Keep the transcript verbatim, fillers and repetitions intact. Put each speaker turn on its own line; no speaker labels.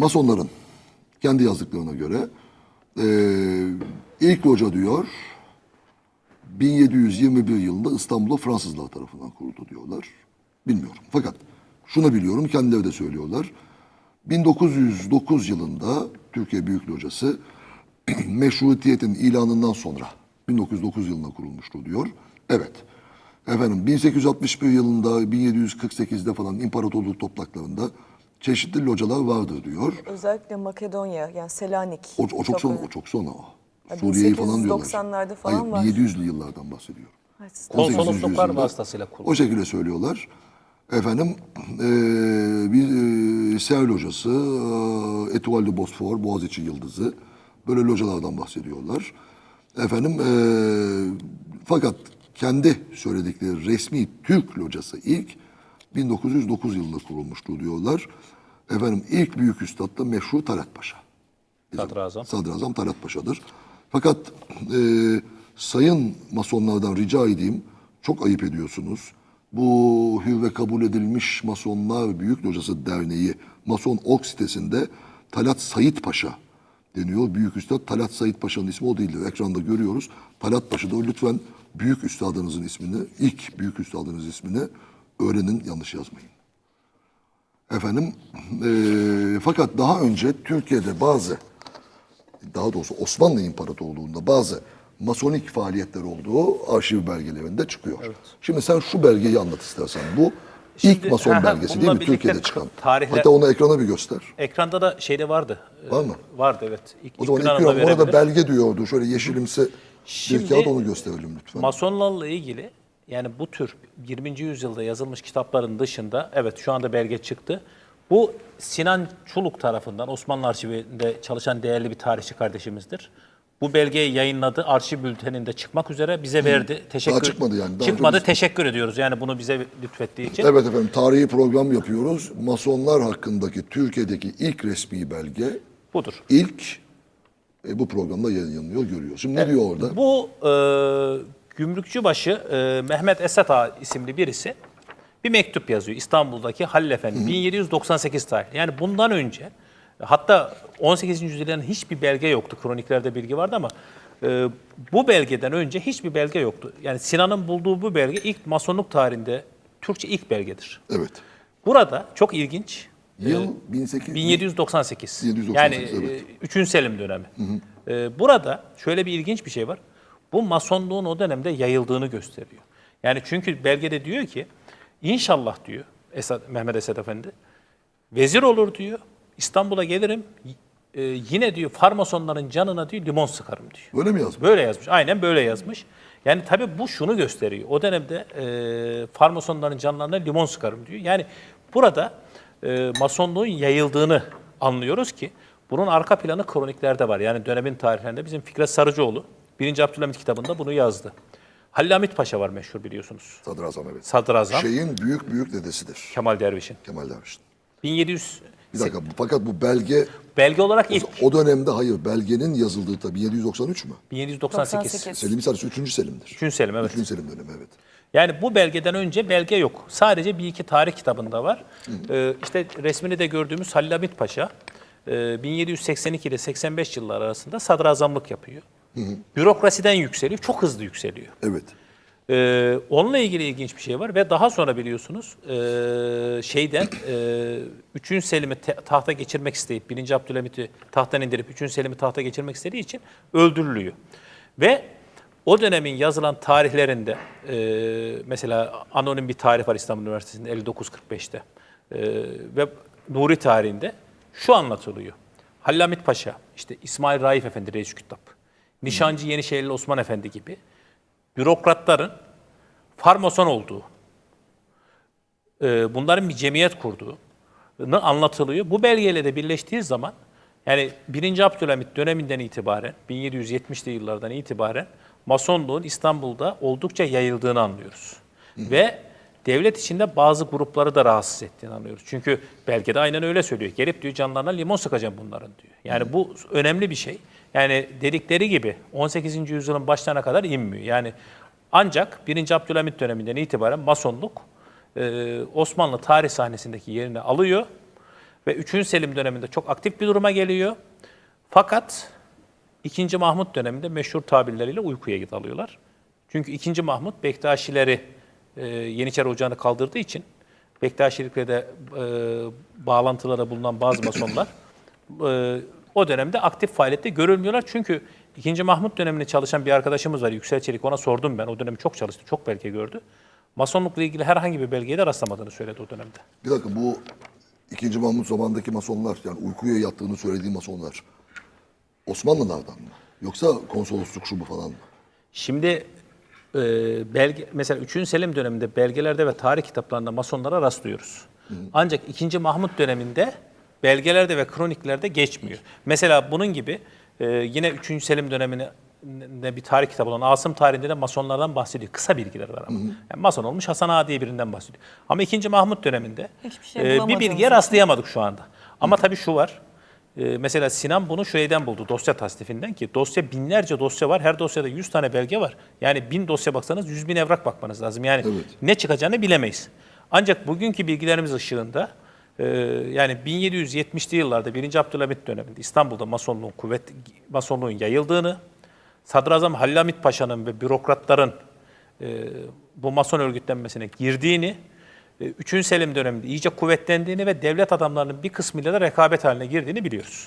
Masonların kendi yazdıklarına göre e, ilk loca diyor bin yedi yüz yirmi bir yılında İstanbul'da Fransızlar tarafından kuruldu diyorlar. Bilmiyorum. Fakat şunu biliyorum, kendileri de söylüyorlar. bin dokuz yüz dokuz yılında Türkiye Büyük Locası meşrutiyetin ilanından sonra bin dokuz yüz dokuz yılında kurulmuştu diyor. Evet. Efendim bin sekiz yüz altmış bir yılında bin yedi yüz kırk sekizde falan imparatorluk topraklarında çeşitli localar vardır diyor.
Özellikle Makedonya, yani Selanik.
O, o çok sonra,
önemli.
o çok sonra o.
Ya
Suriye'yi falan diyorlar.
bin sekiz yüz doksanlarda falan
Hayır,
var.
bin yedi yüzlü yıllardan bahsediyor.
Evet,
on sekizinci
Konsolosluklar
yüzyılda
vasıtasıyla kuruldu.
o şekilde söylüyorlar. Efendim eee bir eee Ser locası, eee Etoile de Bosfor, Boğaziçi Yıldızı, böyle localardan bahsediyorlar. Efendim eee, fakat kendi söyledikleri resmi Türk locası ilk bin dokuz yüz dokuz yılında kurulmuştu diyorlar. Efendim ilk büyük üstad da meşhur Talat Paşa.
Sadrazam.
Sadrazam Talat Paşa'dır. Fakat eee sayın masonlardan rica edeyim, çok ayıp ediyorsunuz. Bu hür ve kabul edilmiş Masonlar Büyük Locası Derneği Mason Org sitesinde Talat Sayit Paşa deniyor. Büyük Üstad Talat Sayit Paşa'nın ismi o değildir. Ekranda görüyoruz. Talat Paşa'da lütfen Büyük Üstadınızın ismini, ilk Büyük Üstadınız ismini öğrenin, yanlış yazmayın. Efendim, eee, fakat daha önce Türkiye'de bazı, daha doğrusu Osmanlı İmparatorluğu'nda bazı masonik faaliyetler olduğu arşiv belgelerinde çıkıyor. Evet. Şimdi sen şu belgeyi anlat istersen. Bu
Şimdi,
ilk mason
ha,
belgesi
bununla
değil mi?
birlikte
Türkiye'de çıkan.
tarihle-
Hatta onu ekrana bir göster.
Ekranda da şeyde vardı.
Var mı?
Vardı, evet. İlk,
O zaman
ilk
ilk
Yunan'da
gün orada
verebilir.
belge diyordu. Şöyle yeşilimsi
Şimdi,
bir kağıt, onu gösterelim lütfen.
Masonlarla ilgili, yani bu tür yirminci yüzyılda yazılmış kitapların dışında, evet şu anda belge çıktı. Bu Sinan Çuluk tarafından Osmanlı Arşivi'nde çalışan değerli bir tarihçi kardeşimizdir. Bu belgeyi yayınladı. Arşiv bülteninde çıkmak üzere bize verdi. Teşekkür
Daha çıkmadı yani, daha
çıkmadı.
çok-
Teşekkür ediyoruz. Yani bunu bize lütfettiği için.
Evet efendim, tarihi program yapıyoruz. Masonlar hakkındaki Türkiye'deki ilk resmi belge,
Budur.
ilk e, bu programda yayınlanıyor, görüyoruz. Şimdi ne diyor orada?
Bu e, Gümrükçübaşı e, Mehmet Esat Ağa isimli birisi bir mektup yazıyor İstanbul'daki Halil Efendi, bin yedi yüz doksan sekiz tarihli. Yani bundan önce, hatta on sekizinci yüzyılın hiçbir belge yoktu. Kroniklerde bilgi vardı ama e, bu belgeden önce hiçbir belge yoktu. Yani Sinan'ın bulduğu bu belge ilk masonluk tarihinde Türkçe ilk belgedir.
Evet.
Burada çok ilginç.
Yıl bin sekiz yüz
bin yedi yüz doksan sekiz.
bin yedi yüz doksan
Yani
sekiz, evet.
üçüncü Selim dönemi. E, burada şöyle bir ilginç bir şey var. Bu masonluğun o dönemde yayıldığını gösteriyor. Yani çünkü belgede diyor ki, İnşallah diyor Esad, Mehmet Esad Efendi, vezir olur diyor, İstanbul'a gelirim, e, yine diyor farmasonların canına diyor limon sıkarım diyor.
Böyle mi yazmış?
Böyle yazmış, aynen böyle yazmış. Yani tabii bu şunu gösteriyor, o dönemde e, farmasonların canlarına limon sıkarım diyor. Yani burada e, masonluğun yayıldığını anlıyoruz ki, bunun arka planı kroniklerde var. Yani dönemin tarihlerinde bizim Fikret Sarıcıoğlu birinci Abdülhamit kitabında bunu yazdı. Halil Hamit Paşa var meşhur biliyorsunuz.
Sadrazam, evet.
Sadrazam.
Şeyin büyük büyük dedesidir.
Kemal Derviş'in.
Kemal Derviş'in.
bin yedi yüz
Bir dakika, bu- fakat bu belge
belge olarak ilk
o dönemde, hayır, belgenin yazıldığı tabii bin yedi yüz doksan üç mü?
bin yedi yüz doksan sekiz.
doksan sekiz.
Selim Sarısı üçüncü Selim'dir.
üçüncü Selim, evet.
üçüncü Selim dönemi, evet.
Yani bu belgeden önce belge yok. Sadece bir iki tarih kitabında var. Ee, işte resmini de gördüğümüz Halil Hamit Paşa e, bin yedi yüz seksen iki ile seksen beş yıllar arasında sadrazamlık yapıyor. Bürokrasiden yükseliyor, çok hızlı yükseliyor.
Evet.
Ee, onunla ilgili ilginç bir şey var ve daha sonra biliyorsunuz e, şeyden e, üçüncü Selim'i te- tahta geçirmek isteyip birinci Abdülhamit'i tahttan indirip üçüncü Selim'i tahta geçirmek istediği için öldürülüyor. Ve o dönemin yazılan tarihlerinde e, mesela anonim bir tarih var İstanbul Üniversitesi'nde elli dokuz kırk beşte e, ve Nuri tarihinde şu anlatılıyor. Halil Hamit Paşa, işte İsmail Raif Efendi Reis Kütap, Nişancı Yenişehirli Osman Efendi gibi bürokratların farmason olduğu, e, bunların bir cemiyet kurduğu anlatılıyor. Bu belgeyle de birleştiği zaman, yani birinci Abdülhamit döneminden itibaren, bin yedi yüz yetmişli yıllardan itibaren masonluğun İstanbul'da oldukça yayıldığını anlıyoruz. Hı hı. Ve devlet içinde bazı grupları da rahatsız ettiğini anlıyoruz. Çünkü belgede aynen öyle söylüyor. Gelip diyor canlarına limon sıkacağım bunların diyor. Yani hı. bu önemli bir şey. Yani dedikleri gibi on sekizinci yüzyılın başlarına kadar inmiyor. Yani ancak birinci Abdülhamit döneminden itibaren masonluk e, Osmanlı tarih sahnesindeki yerini alıyor Ve üçüncü Selim döneminde çok aktif bir duruma geliyor. Fakat ikinci Mahmut döneminde meşhur tabirleriyle uykuya dalıyorlar. Çünkü ikinci Mahmut Bektaşileri e, Yeniçeri Ocağı'nı kaldırdığı için Bektaşilikle de e, bağlantılara bulunan bazı masonlar e, o dönemde aktif faaliyette görülmüyorlar. Çünkü ikinci Mahmut döneminde çalışan bir arkadaşımız var, Yüksel Çelik. Ona sordum ben. O dönemi çok çalıştı, çok belge gördü. Masonlukla ilgili herhangi bir belgeye de rastlamadığını söyledi o dönemde.
Bir dakika, bu ikinci Mahmut zamanındaki masonlar, yani uykuya yattığını söylediği masonlar Osmanlılardan mı? Yoksa konsolosluk şu bu falan mı?
Şimdi e, belge, mesela üçüncü Selim döneminde belgelerde ve tarih kitaplarında masonlara rastlıyoruz. Hı. Ancak ikinci Mahmut döneminde belgelerde ve kroniklerde geçmiyor. Mesela bunun gibi e, yine üçüncü Selim döneminde bir tarih kitabı olan Asım tarihinde de masonlardan bahsediyor. Kısa bilgiler var ama. Yani mason olmuş Hasan Ağa diye birinden bahsediyor. Ama ikinci Mahmut döneminde
Hiçbir şey
e, bir
bulamadığımız
bilgiye
için.
rastlayamadık şu anda. Ama tabii şu var. Ee, mesela Sinan bunu şeyden buldu, dosya tasnifinden, ki dosya binlerce dosya var. Her dosyada yüz tane belge var. Yani bin dosya baksanız yüz bin evrak bakmanız lazım. Yani
Evet.
ne çıkacağını bilemeyiz. Ancak bugünkü bilgilerimiz ışığında e, yani bin yedi yüz yetmişli yıllarda birinci Abdülhamit döneminde İstanbul'da Masonluğun kuvvet Masonluğun yayıldığını, Sadrazam Halil Hamit Paşa'nın ve bürokratların e, bu Mason örgütlenmesine girdiğini, üçüncü Selim döneminde iyice kuvvetlendiğini ve devlet adamlarının bir kısmıyla da rekabet haline girdiğini biliyoruz.